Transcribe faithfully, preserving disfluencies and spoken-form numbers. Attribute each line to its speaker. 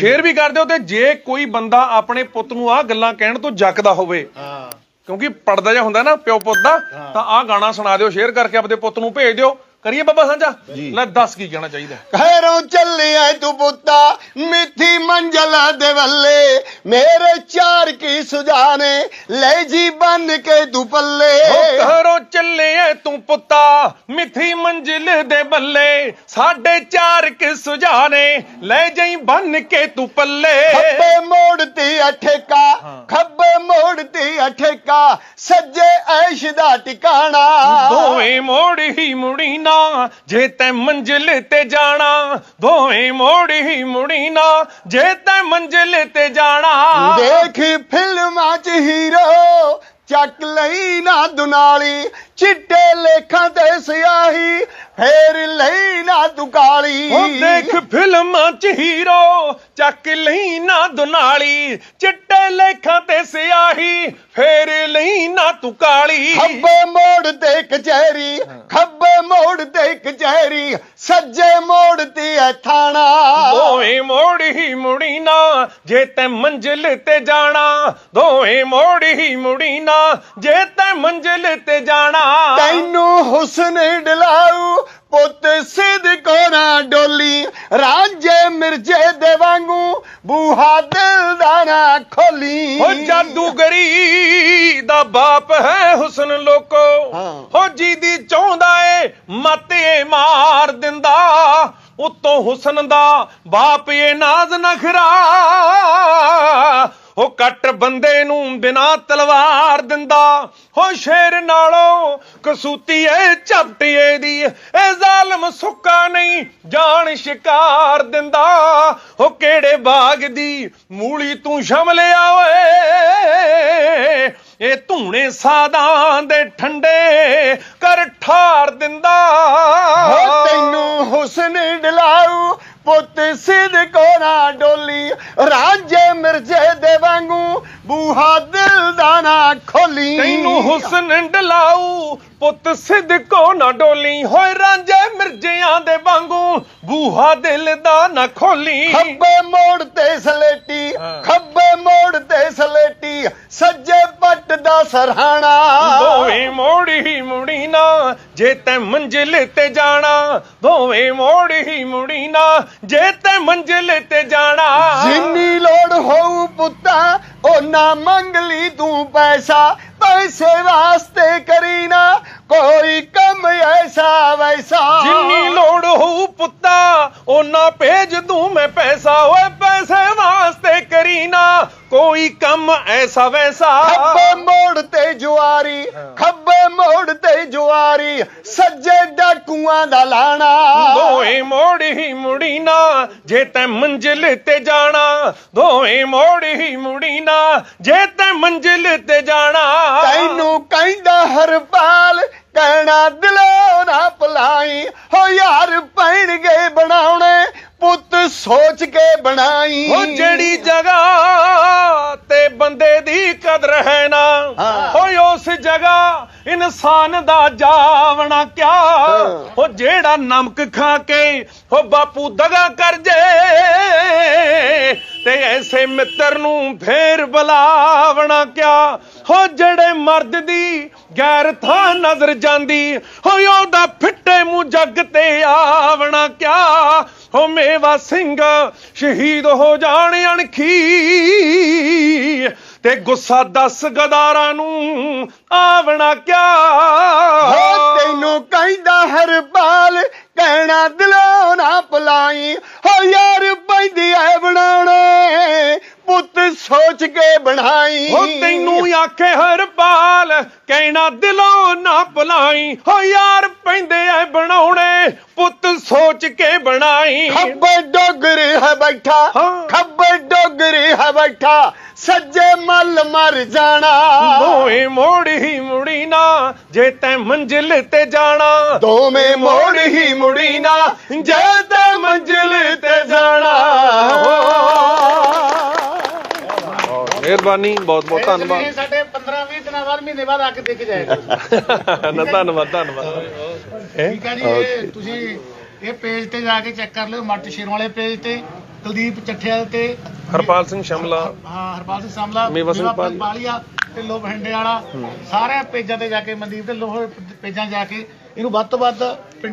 Speaker 1: Share ਵੀ ਕਰ ਦਿਓ ਤੇ ਜੇ ਕੋਈ ਬੰਦਾ ਆਪਣੇ ਪੁੱਤ ਨੂੰ ਆਹ ਗੱਲਾਂ ਕਹਿਣ ਤੋਂ ਜੱਕਦਾ ਹੋਵੇ, ਕਿਉਂਕਿ ਪੜਦਾ ਜਿਹਾ ਹੁੰਦਾ ਨਾ ਪਿਓ ਪੁੱਤ ਦਾ, ਤਾਂ ਆਹ ਗਾਣਾ ਸੁਣਾ ਦਿਓ, ਸ਼ੇਅਰ ਕਰਕੇ ਆਪਣੇ ਪੁੱਤ ਨੂੰ ਭੇਜ ਦਿਓ। ਕਰੀਏ ਬਾਬਾ ਸਾਂਝਾ, ਲੈ ਦੱਸ ਕੀ ਕਹਿਣਾ ਚਾਹੀਦਾ।
Speaker 2: ਖੈਰੋਂ ਚੱਲਿਆ ਤੂੰ ਪੁੱਤਾ ਮਿੱਠੀ ਮੰਜ਼ਲ ਦੇ ਵੱਲੇ, ਮੇਰੇ ਚਾਰ ਕੀ ਸੁਝਾਣੇ ਲੈ ਜੀ ਬੰਨ ਕੇ ਤੂੰ ਪੱਲੇ।
Speaker 1: ਘਰੋਂ ਚੱਲਿਆ ਤੂੰ ਪੁੱਤਾ ਮਿੱਠੀ ਮੰਜ਼ਿਲ ਦੇ ਬੱਲੇ, ਸਾਡੇ ਚਾਰ ਕੀ ਸੁਝਾਣੇ ਲੈ ਜਾਈ ਬੰਨ ਕੇ ਤੂੰ ਪੱਲੇ।
Speaker 2: ਖੱਬੇ ਮੋੜ ਤੇ ਅਠੇਕਾ, ਖੱਬੇ ਮੋੜ ਤੇ ਅਠੇਕਾ, ਸੱਜੇ ਐਸ਼ ਦਾ ਟਿਕਾਣਾ।
Speaker 1: ਦੋਵੇਂ ਮੋੜ ਹੀ ਮੁੜੀ ਨਾ ਜੇ ਤੈਂ ਮੰਜ਼ਿਲ ਤੇ ਜਾਣਾ, ਦੋਵੇਂ ਮੋੜ ਹੀ ਮੁੜੀ ਨਾ ਜੇ ਤੈਂ ਮੰਜ਼ਿਲ ਤੇ ਜਾਣਾ।
Speaker 2: ਦੇਖ ਫਿਲਮਾਂ 'ਚ ਹੀਰੋ ਚੱਕ ਲਈ ਨਾ ਦੁਨਾਲੀ, ਚਿੱਟੇ ਲੇਖਾਂ ਤੇ ਸਿਆਹੀ ਫੇਰ ਲਈ ਨਾ ਤੂੰ ਕਾਲੀ।
Speaker 1: ਉਹ ਦੇਖ ਫਿਲਮਾਂ 'ਚ ਹੀਰੋ ਚੱਕ ਲਈ ਨਾ ਦੁਨਾਲੀ, ਚਿੱਟੇ ਲੇਖਾਂ ਤੇ ਸਿਆਹੀ ਫੇਰ ਲਈ ਨਾ ਤੂੰ ਕਾਲੀ।
Speaker 2: ਖੱਬੇ ਮੋੜ ਤੇ ਕਚਹਿਰੀ, ਖੱਬੇ ਮੋੜ ਤੇ ਕਚਹਿਰੀ, ਸੱਜੇ ਮੋੜ ਤੇ ਐ ਥਾਣਾ।
Speaker 1: ਦੋਵੇਂ ਮੋੜ ਹੀ ਮੁੜੀ ਨਾ ਜੇ ਤੈਂ ਮੰਜ਼ਿਲ ਤੇ ਜਾਣਾ, ਦੋਵੇਂ ਮੋੜ ਹੀ ਮੁੜੀ ਨਾ ਜੇ ਤੈਂ ਮੰਜ਼ਿਲ ਤੇ ਜਾਣਾ।
Speaker 2: ਤੈਨੂੰ ਹੁਸਨ ਡਲਾਉ ਪੁੱਤ ਸਿਦਕੋ ਨਾ ਡੋਲੀ, ਰਾਂਝੇ ਮਿਰਜੇ ਦੇ ਵਾਂਗੂ ਬੂਹਾ ਦਿਲ ਦਾ ਨਾ ਖੋਲੀ।
Speaker 1: ਹੋ ਜਾਦੂਗਰੀ ਦਾ ਬਾਪ ਹੈ ਹੁਸਨ ਲੋਕੋ, ਹੋ ਜਿਹਦੀ ਚਾਹੁੰਦਾ ਏ ਮੱਤ ਏ ਮਾਰ ਦਿੰਦਾ, ਉਤੋਂ ਹੁਸਨ ਦਾ ਬਾਪ ਏ ਨਾਜ਼ ਨਖਰਾ, ਉਹ ਕੱਟ ਬੰਦੇ ਨੂੰ ਬਿਨਾ ਤਲਵਾਰ ਦਿੰਦਾ। ਹੋ ਸ਼ੇਰ ਨਾਲੋਂ ਕਸੂਤੀ ਏ ਝਪਟੀਏ ਦੀ, ਇਹ ਜ਼ਾਲਮ ਸੁੱਕਾ ਨਹੀਂ ਜਾਨ ਸ਼ਿਕਾਰ ਦਿੰਦਾ। ਹੋ ਕਿਹੜੇ ਬਾਗ ਦੀ ਮੂਲੀ ਤੂੰ ਸ਼ਮਲਿਆ ਓਏ, ਇਹ ਧੂਣੇ ਸਾਦਾਂ ਦੇ ਠੰਡੇ ਕਰ ਠਾਰ ਦਿੰਦਾ।
Speaker 2: ਹੋ ਤੈਨੂੰ ਹੁਸਨ ਡਲਾਉ ਪੁੱਤ ਸਿਦਕੋ ਨਾ ਡੋਲੀ, ਰਾਂਝੇ ਮਿਰਜੇ ਦੇ ਵਾਂਗੂ ਬੂਹਾ ਦਿਲ ਦਾ ਨਾ ਖੋਲੀ।
Speaker 1: ਤੈਨੂੰ ਹੁਸਨ ਡਲਾਉ ਪੁੱਤ ਸਿਦਕੋ ਨਾ ਡੋਲੀ, ਹੋਏ ਰਾਂਝੇ ਮਿਰਜਿਆਂ ਦੇ ਵਾਂਗੂ ਬੂਹਾ ਦਿਲ ਦਾ ਨਾ ਖੋਲੀ।
Speaker 2: ਖੱਬੇ ਮੋੜ ਤੇ ਸਲੇਟੀ, ਖੱਬੇ ਮੋੜ ਤੇ ਸਲੇਟੀ, ਸੱਜੇ ਪੱਟ ਦਾ ਸਰਹਾਣਾ।
Speaker 1: ਦੋਵੇਂ ਮੋੜ ਹੀ ਮੁੜੀ ਨਾ ਜੇ ਤੈਂ ਮੰਜ਼ਿਲ ਤੇ ਜਾਣਾ, ਦੋਵੇਂ ਮੋੜ ਹੀ ਮੁੜੀ ਨਾ ਜੇ ਤੈਂ ਮੰਜ਼ਿਲ ਤੇ ਜਾਣਾ।
Speaker 2: ਜਿੰਨੀ ਲੋੜ ਹੋਊ ਪੁੱਤਾ ਓਨਾ ਮੰਗ ਲਈ ਤੂੰ ਪੈਸਾ, ਪੈਸੇ ਵਾਸਤੇ ਕਰੀ ਨਾ ਕੋਈ ਕੰਮ ਐਸਾ ਵੈਸਾ।
Speaker 1: ਜਿੰਨੀ ਲੋੜ ਹੋਊ ਪੁੱਤਾ ਓਨਾ ਭੇਜ ਦੂੰ ਮੈਂ ਪੈਸਾ, ਓਏ ਪੈਸੇ ਵਾਸਤੇ ਕਰੀ ਨਾ ਕੋਈ ਕੰਮ ਐਸਾ ਵੈਸਾ।
Speaker 2: ਖੱਬੇ ਮੋੜ ਤੇ ਜੁਆਰੀ, ਖੱਬੇ ਮੋੜ ਤੇ ਜੁਆਰੀ, ਸੱਜੇ ਡਾਕੂਆਂ ਦਾ ਲਾਣਾ।
Speaker 1: ਦੋਵੇਂ ਮੋੜ ਹੀ ਮੁੜੀ ਨਾ ਜੇ ਤੈਂ ਮੰਜ਼ਿਲ ਤੇ ਜਾਣਾ, ਦੋਵੇਂ ਮੋੜ ਹੀ ਮੁੜੀ ਨਾ ਜੇ ਤੈਂ ਮੰਜ਼ਿਲ ਤੇ ਜਾਣਾ।
Speaker 2: ਤੈਨੂੰ ਕਹਿੰਦਾ ਹਰਪਾਲ ਕਹਿਣਾ ਦਿਲੋਂ ਨਾ ਭੁਲਾਈ, ਹੋ ਯਾਰ ਪੈਣਗੇ ਬਣਾਉਣੇ ਪੁੱਤ ਸੋਚ ਕੇ ਬਣਾਈ।
Speaker 1: ਹੋ ਜਿਹੜੀ ਜਗ੍ਹਾ ਤੇ ਬੰਦੇ ਦੀ ਕਦਰ ਹੈ ਨਾ, ਹੋਏ ਉਸ ਜਗ੍ਹਾ ਇਨਸਾਨ ਦਾ ਜਾਵਣਾ ਕਿਆ। ਹੋ ਜਿਹੜਾ ਨਮਕ ਖਾ ਕੇ ਹੋ ਬਾਪੂ ਦਗਾ ਕਰ ਜੇ, ਤੇ ਐਸੇ ਮਿੱਤਰ ਨੂੰ ਫੇਰ ਬੁਲਾਵਣਾ ਕਿਆ। ਹੋ ਜਿਹੜੇ ਮਰਦ ਦੀ ਗੈਰ ਥਾਂ ਨਜ਼ਰ ਜਾਂਦੀ, ਹੋ ਉਹਦਾ ਫਿੱਟੇ ਮੂੰਹ ਜੱਗ ਤੇ ਆਵਣਾ ਕਿਆ। ਹੋ ਮੇਵਾ ਸਿੰਘ ਸ਼ਹੀਦ ਹੋ ਜਾਣ ਅਣਖੀ, ਤੇ ਗੁੱਸਾ ਦਸ ਗਦਾਰਾਂ ਨੂੰ ਆਵਣਾ ਕਿਆ।
Speaker 2: ਤੈਨੂੰ ਕਹਿੰਦਾ ਹਰਪਾਲ ਕਹਿਣਾ ਦਿਲੋਂ ਨਾ ਭੁਲਾਈ, ਹੋ ਯਾਰ ਪੈਂਦੀ ਐ ਬਣਾਉਣੇ ਪੁੱਤ ਸੋਚ ਕੇ ਬਣਾਈ।
Speaker 1: ਹੋ ਤੈਨੂੰ ਆਖੇ ਹਰਪਾਲ ਕਹਿਣਾ ਦਿਲੋਂ ਨਾ ਭੁਲਾਈ, ਹੋ ਯਾਰ ਪੈਂਦੇ ਐ ਬਣਾਉਣੇ ਪੁੱਤ ਸੋਚ ਕੇ ਬਣਾਈ।
Speaker 2: ਖੱਬੇ ਡੋਗਰੀ ਹੈ ਬੈਠਾ, ਖੱਬੇ ਡੋਗਰੀ ਹੈ ਬੈਠਾ, ਸੱਜੇ ਮੱਲ ਮਰ ਜਾਣਾ।
Speaker 1: ਦੋਵੇਂ ਮੋੜ ਹੀ ਮੁੜੀ ਨਾ ਜੇ ਤੈਂ ਮੰਜ਼ਿਲ ਤੇ ਜਾਣਾ,
Speaker 2: ਦੋਵੇਂ ਮੋੜ ਹੀ ਮੁੜੀ ਨਾ ਜੇ ਤੈਂ ਮੰਜ਼ਿਲ ਤੇ ਜਾਣਾ।
Speaker 1: ਮਿਹਰਬਾਨੀ, ਬਹੁਤ ਬਹੁਤ ਧੰਨਵਾਦ।
Speaker 3: ਸਾਡੇ ਪੰਦਰਾਂ ਵੀਹ ਦਿਨਾਂ ਬਾਅਦ ਮਹੀਨੇ ਬਾਅਦ ਆ ਕੇ ਦੇਖ ਜਾਏਗਾ।
Speaker 1: ਨਾ ਧੰਨਵਾਦ ਧੰਨਵਾਦ।
Speaker 3: ਠੀਕ ਹੈ ਜੀ, ਇਹ ਤੁਸੀਂ ਇਹ ਪੇਜ ਤੇ ਜਾ ਕੇ ਚੈੱਕ ਕਰ ਲਿਓ, ਮੱਟ ਸ਼ੇਰ ਵਾਲੇ ਪੇਜ ਤੇ ਕੁਲਦੀਪ ਚੱਠਿਆ ਤੇ
Speaker 1: ਹਰਪਾਲ ਸਿੰਘ ਸ਼ਮਲਾ,
Speaker 3: ਹਾਂ ਹਰਪਾਲ ਸਿੰਘ ਸਾਮਲਾ,
Speaker 1: ਮੇਵਾ ਸਿੰਘ ਪਾਲੀ।
Speaker 3: ਪਾਲੀਆ ਤੇ ਲੋ ਬਹਿੰਡੇ ਵਾਲਾ, ਸਾਰੇ ਪੇਜਾਂ ਤੇ ਜਾ ਕੇ ਮਨਦੀਪ ਤੇ ਲੋਹ ਪੇਜਾਂ ਜਾ ਕੇ ਇਹਨੂੰ ਵੱਧ ਤੋਂ ਵੱਧ